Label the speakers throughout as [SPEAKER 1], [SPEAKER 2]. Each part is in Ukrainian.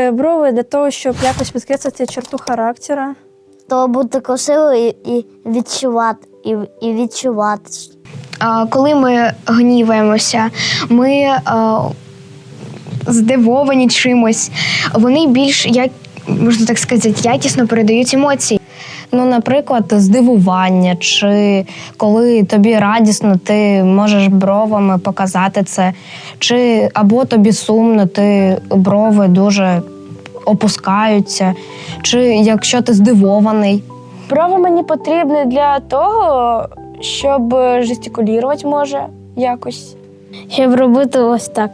[SPEAKER 1] Брови для того, щоб якось підкреслити черту характера.
[SPEAKER 2] То бути красивою і відчувати.
[SPEAKER 3] Коли ми гніваємося, ми здивовані чимось, вони більш, можна так сказати, якісно передають емоції.
[SPEAKER 4] Ну, наприклад, здивування, чи коли тобі радісно, ти можеш бровами показати це, чи або тобі сумно, ти брови дуже опускаються, чи якщо ти здивований.
[SPEAKER 5] Брови мені потрібні для того, щоб жестикулювати може якось.
[SPEAKER 2] Щоб робити ось так.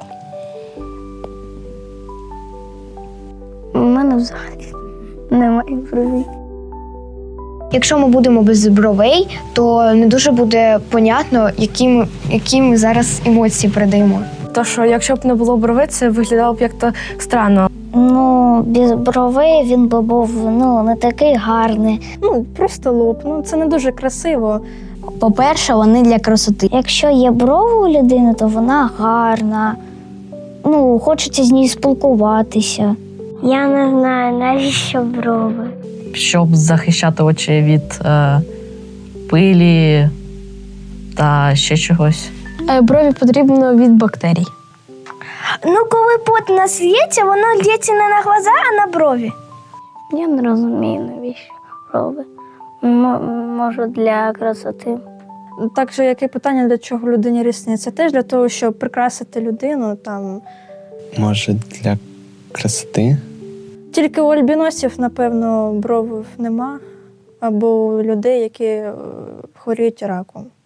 [SPEAKER 2] У мене взагалі немає бровей.
[SPEAKER 3] Якщо ми будемо без бровей, то не дуже буде понятно, які ми зараз емоції передаємо.
[SPEAKER 5] То, що якщо б не було брови, це виглядало б як-то странно.
[SPEAKER 2] Ну, без бровей він би був не такий гарний.
[SPEAKER 1] Просто лоб. Це не дуже красиво.
[SPEAKER 2] По-перше, вони для красоти. Якщо є брови у людини, то вона гарна. Хочеться з нею спілкуватися. Я не знаю, навіщо брови.
[SPEAKER 6] Щоб захищати очі від пилі та ще чогось.
[SPEAKER 5] Брові потрібно від бактерій.
[SPEAKER 7] Коли пот нас лється, воно лється не на глаза, а на брові.
[SPEAKER 2] Я не розумію, навіщо брови. Може, для красоти.
[SPEAKER 1] Так же, як і питання, для чого людині рісниці. Це теж для того, щоб прикрасити людину.
[SPEAKER 8] Може, для красоти?
[SPEAKER 1] Тільки у альбіносів, напевно, бровів нема. Або у людей, які хворіють раком.